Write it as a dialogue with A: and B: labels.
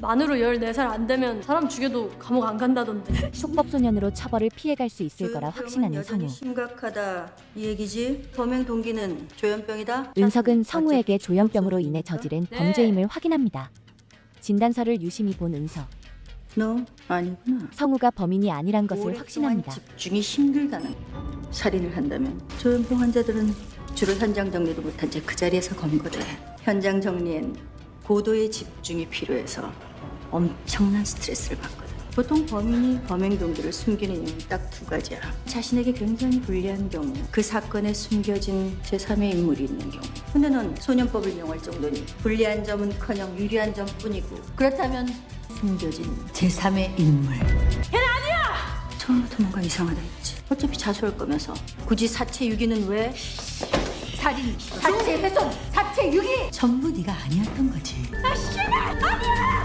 A: 만으로 14살 안 되면 사람 죽여도 감옥 안 간다던데.
B: 속법소년으로 처벌을 피해갈 수 있을 거라 확신하는 성우.
C: 심각하다 이 얘기지? 범행 동기는 조현병이다?
B: 은석은 성우에게 조현병으로 인해 저지른 범죄임을 확인합니다. 진단서를 유심히 본 은석.
C: 너 아니구나.
B: 성우가 범인이 아니란 것을
C: 오랫동안
B: 확신합니다.
C: 집중이 힘들다는 살인을 한다면 조현병 환자들은 주로 현장 정리도 못한 채 그 자리에서 검거돼. 현장 정리엔 고도의 집중이 필요해서 엄청난 스트레스를 받거든. 보통 범인이 범행 동기를 숨기는 이유는 딱 두 가지야. 자신에게 굉장히 불리한 경우, 그 사건에 숨겨진 제3의 인물이 있는 경우. 근데 넌 소년법을 이용할 정도니 불리한 점은커녕 유리한 점뿐이고, 그렇다면 숨겨진 제3의 인물. 걔는 아니야! 처음부터 뭔가 이상하다 했지. 어차피 자수할 거면서 굳이 사체 유기는 왜? 살인, 사체 훼손, 사체 유기! 전부 네가 아니었던 거지. 아 씨발! 아니야!